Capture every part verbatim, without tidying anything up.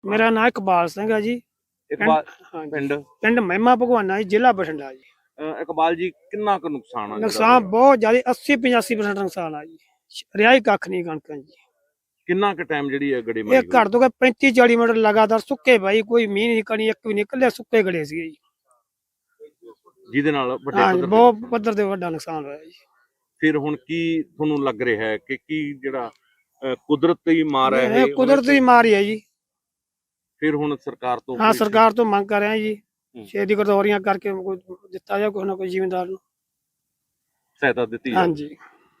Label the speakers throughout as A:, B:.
A: ਮੇਰਾ ਨਾਂ ਇਕਬਾਲ ਸਿੰਘ ਹੈ ਜੀ।
B: ਇਕਬਾਲ
A: ਹਾਂਜੀ
B: ਪਿੰਡ
A: ਪਿੰਡ ਮਹਿਮਾ ਭਗਵਾਨਾ ਜੀ, ਜ਼ਿਲ੍ਹਾ ਬਠਿੰਡਾ ਜੀ।
B: ਅਹ ਇਕਬਾਲ ਜੀ ਕਿੰਨਾ ਕੁ ਨੁਕਸਾਨ ਆ ਜਿਹੜਾ
A: ਨੁਕਸਾਨ
B: ਹੋਇਆ?
A: ਬਹੁਤ ਜ਼ਿਆਦਾ ਅੱਸੀ ਪਚਾਸੀ ਪਰਸੈਂਟ ਨੁਕਸਾਨ ਆ ਜੀ। ਰਿਹਾ ਹੀ ਕੱਖ ਨਹੀਂ ਕਣਕਾਂ ਜੀ।
B: ਕਿੰਨਾ ਕੁ ਟਾਈਮ ਜਿਹੜੀ ਹੈ ਗੜੇ
A: ਇਹ
B: ਮਾਰੀ
A: ਘੱਟ ਤੋਂ ਘੱਟ ਪੈਂਤੀ ਚਾਲੀ ਮਿੰਟ ਲਗਾਤਾਰ ਸੁੱਕੇ ਬਾਈ, ਕੋਈ ਮੀਂਹ ਨਹੀਂ ਕਣੀ, ਇੱਕ ਵੀ ਨਿਕਲਿਆ, ਸੁੱਕੇ ਗੜੇ ਸੀਗੇ ਜੀ।
B: ਜਿਹਦੇ ਨਾਲ ਵੱਡੇ
A: ਹਾਂਜੀ
B: ਪੱਧਰ
A: ਬਹੁਤ
B: ਤੇ
A: ਪੱਧਰ ਤੇ ਵੱਡਾ ਨੁਕਸਾਨ ਹੋਇਆ ਜੀ।
B: ਫਿਰ ਹੁਣ ਕੀ ਤੁਹਾਨੂੰ ਲੱਗ ਰਿਹਾ ਹੈ ਕਿ ਕੀ ਜਿਹੜਾ ਅਹ ਕੁਦਰਤੀ ਮਾਰ ਹੈ
A: ਇਹ
B: ਇਹ
A: ਕੁਦਰਤੀ ਮਾਰ ਹੀ ਹੈ ਜੀ।
B: ਫਿਰ ਹੁਣ ਸਰਕਾਰ ਤੋਂ
A: ਹਾਂ
B: ਕੋਈ
A: ਸਰਕਾਰ ਤੋਂ ਮੰਗ ਕਰ ਰਹੇ ਹਾਂ ਜੀ,
B: ਹੂੰ।
A: ਛੇਤੀ ਗਰਦੌਰੀਆਂ ਕਰਕੇ ਕੋਈ ਦਿੱਤਾ ਜਾਏ ਕੋਈ ਨਾ ਕੋਈ ਜ਼ਿਮੀਂਦਾਰ ਨੂੰ।
B: ਸਹਾਇਤਾ ਦਿੱਤੀ ਜਾਵੇ।
A: ਹਾਂਜੀ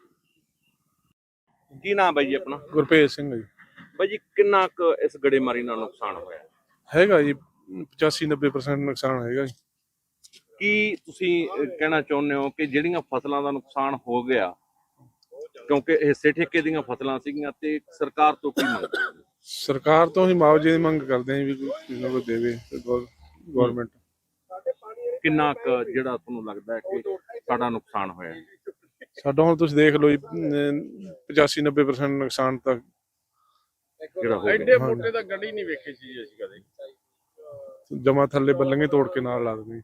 B: ਕੀ ਨਾਮ ਬਾਈ ਜੀ ਆਪਣਾ?
C: ਗੁਰਪ੍ਰੀਤ ਸਿੰਘ ਜੀ।
B: ਬਾਈ ਜੀ ਕਿੰਨਾ ਕੁ ਇਸ ਗੜੇਮਾਰੀ ਨਾਲ ਨੁਕਸਾਨ ਹੋਇਆ?
C: ਹੈਗਾ ਜੀ ਪਚਾਸੀ ਨੱਬੇ ਪਰਸੈਂਟ ਨੁਕਸਾਨ ਹੈਗਾ ਜੀ।
B: ਕੀ ਤੁਸੀਂ ਅਹ, ਕਹਿਣਾ ਚਾਹੁੰਦੇ ਹੋ ਕਿ ਜਿਹੜੀਆਂ ਫਸਲਾਂ ਦਾ ਨੁਕਸਾਨ ਹੋ ਗਿਆ, ਕਿਉਂਕਿ ਹਿੱਸੇ ਠੇਕੇ ਦੀਆਂ ਫਸਲਾਂ ਸੀਗੀਆਂ, ਤੇ ਸਰਕਾਰ ਤੋਂ ਕੀ ਮੰਗ?
C: ਸਰਕਾਰ ਤੋਂ ਹੀ ਮੁਆਵਜ਼ੇ ਦੀ ਮੰਗ ਕਰਦੇ ਹਾਂ ਵੀ ਕੋਈ ਕਿਸੇ ਨੂੰ ਕੋਈ ਦੇਵੇ ਗਵਰਨਮੈਂਟ।
B: ਕਿੰਨਾ ਕੁ ਜਿਹੜਾ ਤੁਹਾਨੂੰ ਲੱਗਦਾ ਹੈ ਕਿ ਸਾਡਾ ਨੁਕਸਾਨ ਹੋਇਆ?
C: ਸਾਡਾ ਹੁਣ ਤੁਸੀਂ ਦੇਖ ਲਓ ਜੀ ਪਚਾਸੀ ਨੱਬੇ ਪਰਸੈਂਟ ਨੁਕਸਾਨ ਤਾਂ
B: ਜਿਹੜਾ ਹੋ ਗਿਆ
D: ਐਡੇ ਮੋਟੇ ਤਾਂ ਗੱਡੀ ਨਹੀਂ ਵੇਖੀ ਸੀ ਅਸੀਂ ਕਦੇ।
C: ਜਮਾ ਥੱਲੇ ਬੱਲੰਗੇ ਤੋੜ ਕੇ ਨਾਲ ਲਾ ਦਿੰਦੇ।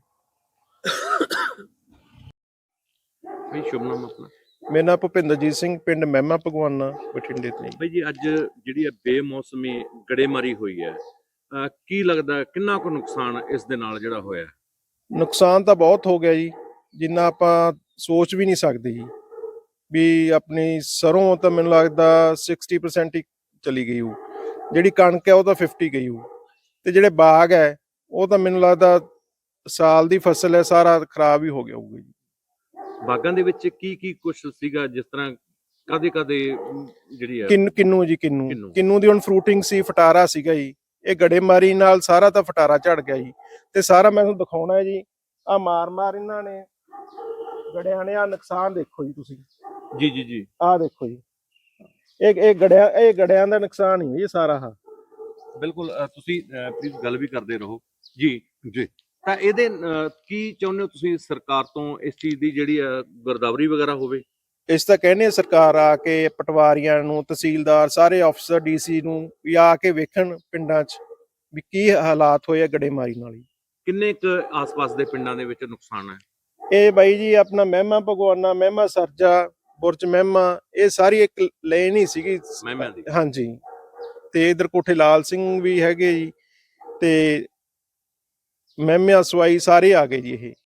B: ਬਈ ਸ਼ੁਭ ਨਾਮ ਆਪਣਾ?
E: ਮੇਰਾ ਨਾਮ ਭੁਪਿੰਦਰਜੀਤ ਸਿੰਘ, ਪਿੰਡ ਮਹਿਮਾ ਭਗਵਾਨਾ, ਬਠਿੰਡੇ ਤੋਂ।
B: ਬਈ ਜੀ ਅੱਜ ਜਿਹੜੀ ਹੈ ਬੇਮੌਸਮੀ ਗੜੇਮਾਰੀ ਹੋਈ ਹੈ, ਅਹ ਕੀ ਲੱਗਦਾ ਕਿੰਨਾ ਕੁ ਨੁਕਸਾਨ ਇਸ ਦੇ ਨਾਲ ਜਿਹੜਾ ਹੋਇਆ?
E: ਨੁਕਸਾਨ ਤਾਂ ਬਹੁਤ ਹੋ ਗਿਆ ਜੀ, ਜਿੰਨਾ ਆਪਾਂ ਸੋਚ ਵੀ ਨਹੀਂ ਸਕਦੇ ਜੀ। ਵੀ ਆਪਣੀ ਸਰੋਂ ਤਾਂ ਮੈਨੂੰ ਲੱਗਦਾ ਸਿਕਸਟੀ ਪਰਸੈਂਟ ਹੀ ਚਲੀ ਗਈ ਉਹ, ਜਿਹੜੀ ਕਣਕ ਹੈ ਉਹ ਤਾਂ ਫਿਫਟੀ ਗਈ ਉਹ, ਤੇ ਜਿਹੜੇ ਬਾਗ ਹੈ ਉਹ ਤਾਂ ਮੈਨੂੰ ਲੱਗਦਾ ਸਾਲ ਦੀ ਫਸਲ ਹੈ ਸਾਰਾ ਖਰਾਬ ਹੀ ਹੋ ਗਿਆ ਹੋਊਗਾ ਜੀ।
B: ਬਾਗਾਂ ਦੇ ਵਿੱਚ ਕੀ ਕੀ ਕੁਝ ਸੀਗਾ, ਜਿਸ ਤਰ੍ਹਾਂ ਕਦੇ ਕਦੇ ਜਿਹੜੀ ਹੈ
E: ਕਿੰਨੂ ਕਿੰਨੂ ਜੀ ਕਿੰਨੂ
B: ਕਿੰਨੂ।
E: ਕਿੰਨੂ ਦੀ ਹੁਣ ਫਰੂਟਿੰਗ ਸੀ, ਫਟਾਰਾ ਸੀਗਾ ਜੀ। ਇਹ ਗੜੇਮਾਰੀ ਨਾਲ ਸਾਰਾ ਤਾਂ ਫਟਾਰਾ ਝੜ ਗਿਆ ਜੀ, ਤੇ ਸਾਰਾ ਮੈਂ ਤੁਹਾਨੂੰ ਦਿਖਾਉਣਾ ਹੈ ਜੀ। ਆ ਮਾਰ ਮਾਰ ਇਹਨਾਂ ਨੇ ਗੜਿਆਂ ਨੇ, ਆ ਨੁਕਸਾਨ ਦੇਖੋ ਜੀ ਤੁਸੀਂ।
B: ਜੀ ਜੀ ਜੀ
E: ਆਹ ਦੇਖੋ ਜੀ, ਇਹ ਇਹ ਗੜਿਆਂ ਇਹ ਗੜਿਆਂ ਦਾ ਨੁਕਸਾਨ ਹੀ ਹੈ ਇਹ ਸਾਰਾ। ਆ
B: ਬਿਲਕੁਲ। ਅਹ ਤੁਸੀਂ ਪਲੀਜ਼ ਗੱਲ ਵੀ ਕਰਦੇ ਰਹੋ ਜੀ ਜੀ। ਤਾਂ ਇਹਦੇ ਅਹ, ਕੀ ਚਾਹੁੰਦੇ ਹੋ ਤੁਸੀਂ ਸਰਕਾਰ ਤੋਂ? ਇਸ ਚੀਜ਼ ਦੀ ਜਿਹੜੀ ਹੈ ਗਿਰਦਾਵਰੀ ਵਗੈਰਾ ਹੋਵੇ?
E: ਇਸ ਤਾਂ ਕਹਿੰਦੇ ਆ ਸਰਕਾਰ ਆ ਕੇ ਪਟਵਾਰੀਆਂ ਨੂੰ, ਤਹਿਸੀਲਦਾਰ, ਸਾਰੇ ਅਫਸਰ, ਡੀਸੀ ਨੂੰ ਵੀ ਆ ਕੇ ਵੇਖਣ ਪਿੰਡਾਂ 'ਚ ਵੀ ਕੀ ਹਾਲਾਤ ਹੋਏ ਆ ਗੜੇਮਾਰੀ ਨਾਲ ਹੀ।
B: ਕਿੰਨੇ ਕੁ ਆਸ-ਪਾਸ ਦੇ ਪਿੰਡਾਂ ਦੇ ਵਿੱਚ ਨੁਕਸਾਨ ਹੈ?
E: ਇਹ ਬਾਈ ਜੀ ਆਪਣਾ ਮਹਿਮਾ ਭਗਵਾਨਾ, ਮਹਿਮਾ ਸਰਜਾ, ਬੁਰਜ ਮਹਿਮਾ, ਇਹ ਸਾਰੀ ਇੱਕ ਲੇਨ ਹੀ ਸੀਗੀ।
B: ਮਹਿਮਿਆਂ ਦੀ?
E: ਹਾਂਜੀ, ਤੇ ਇਧਰ ਕੋਠੇ ਲਾਲ ਸਿੰਘ ਵੀ ਹੈਗੇ ਜੀ, ਤੇ ਮਹਿਮਿਆ ਸਵਾਈ ਸਾਰੇ ਆ ਗਏ ਜੀ ਇਹ।